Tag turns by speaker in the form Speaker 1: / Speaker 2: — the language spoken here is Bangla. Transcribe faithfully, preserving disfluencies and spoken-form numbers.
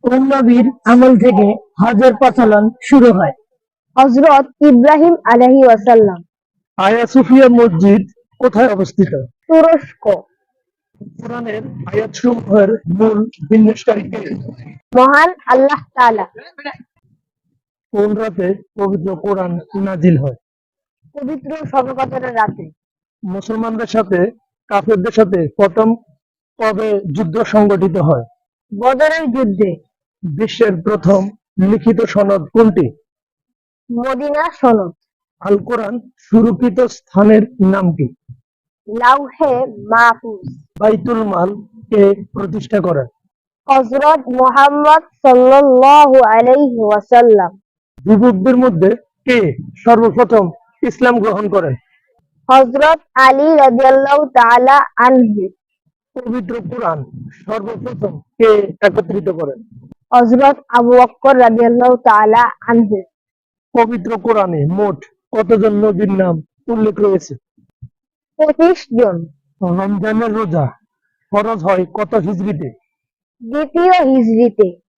Speaker 1: কোন নবীর আমল থেকে হজের প্রচলন শুরু হয়?
Speaker 2: হযরত ইব্রাহিম আলাইহিস ওয়াসাল্লাম।
Speaker 1: আয়া সুফিয়া মসজিদ কোথায় অবস্থিত?
Speaker 2: তুরস্ক।
Speaker 1: কোরআনের আয়াতসমূহের মূল বিন্যাসকারী কে?
Speaker 2: মহান আল্লাহ তাআলা।
Speaker 1: কোন রাতে পবিত্র কোরআন নাজিল হয়?
Speaker 2: পবিত্র শবে কদরের রাতে।
Speaker 1: মুসলমানদের সাথে কাফেরদের সাথে প্রথম কবে যুদ্ধ সংগঠিত হয়?
Speaker 2: বদরের যুদ্ধে।
Speaker 1: বিশ্বের প্রথম লিখিত সনদ কোনটি?
Speaker 2: মদিনা সনদ।
Speaker 1: আল কোরআন সুরক্ষিত স্থানের নাম কি?
Speaker 2: লাউহে মাহফুজ।
Speaker 1: বাইতুল মাল কে প্রতিষ্ঠা করেন?
Speaker 2: হযরত মুহাম্মদ সাল্লাল্লাহু আলাইহি ওয়াসাল্লাম।
Speaker 1: যুবকদের মধ্যে কে সর্বপ্রথম ইসলাম গ্রহণ করেন?
Speaker 2: হযরত আলী রাদিয়াল্লাহু তাআলা আনহু।
Speaker 1: পবিত্র কোরআন সর্বপ্রথম কে একত্রিত করেন?
Speaker 2: হযরত আবু বকর রাদিয়াল্লাহু তাআলা আনহু।
Speaker 1: পবিত্র কোরআনে মোট কতজন নবীর নাম উল্লেখ রয়েছে?
Speaker 2: পঁচিশ জন।
Speaker 1: রমজানের রোজা ফরজ হয় কত হিজরিতে?
Speaker 2: দ্বিতীয় হিজরিতে।